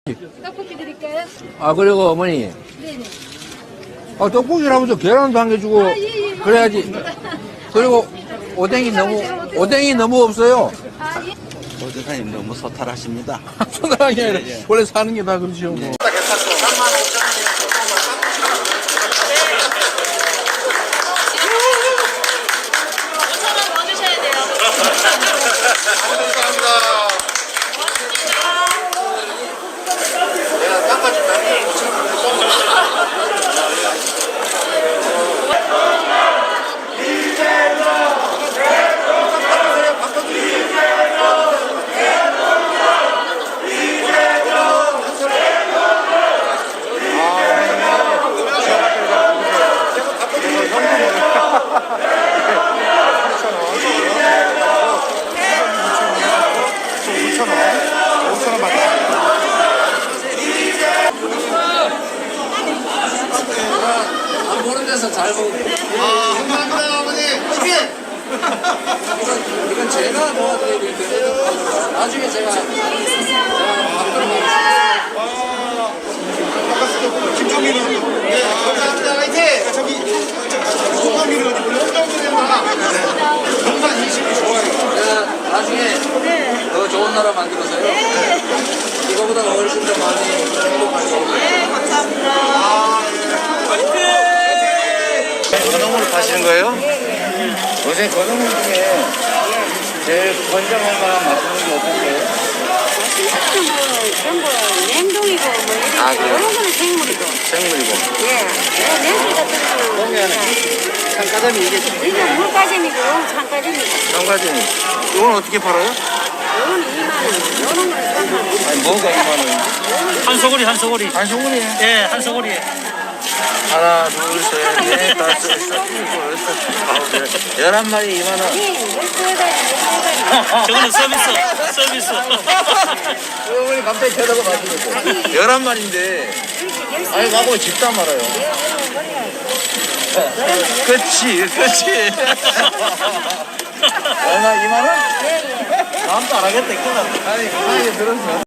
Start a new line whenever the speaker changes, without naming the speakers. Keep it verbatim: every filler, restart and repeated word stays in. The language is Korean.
떡볶이 드릴까요?
아, 그리고 어머니.
네네.
아, 떡볶이를 하면서 계란도 한 개 주고,
아, 예, 예.
그래야지. 그리고 오뎅이 너무, 오뎅이 너무 없어요.
아, 예.
보조사님 너무 소탈하십니다.
소나라한 게 아니라, 원래 사는 게 다 그렇죠, 뭐.
오천 원 더 주셔야 돼요.
안 보는 데서 잘 먹고.
아, 감사합니다, 어머니. 치킨!
이건, 이건 제가 도와드려야 될 텐데, 나중에 제가, 제가 만들어가겠습니다.
김종민은. 네, 감사합니다. 화이팅! 저기, 김종민은 어디 보려? 홍정민이구나. 동산 인심이 좋아요.
제가 나중에 더 좋은 나라 만들어서요. 이거보다 훨씬 더 많이 행복하게.
건어물 파시는 거예요? 요새 건어물 중에 제일 권장할 만한 맛있는 게 어떤 거예요?
전부 냉동이고 뭐 이런
아, 그래요?
이런 거는 생물이고
생물이고.
예 냉동 같은 거는
참가자미 이게
이거 물가재미고 참가재미고
참가자미. 이건 어떻게 팔아요?
요거는 이만 원 요런 거는 삼만 원
아니 뭐가 이만 원?
한 소고리 한 소고리
한 소금이에요.
예 한 소고리
하나, 둘, 셋, 넷, 다섯, 여섯, 일곱, 여덟, 아홉, 열. 열한 마리 이만 원.
예 열두 가지
저거는 서비스 서비스
어머니 갑자기 쳐다보 마시겠어. 열한 마리인데. 아니 나보고 집다 말아요. 그렇지, 그렇지. 얼마 이만 원?
예예
다음도 안 하겠다. 이거. 아니, 편하게 들었어.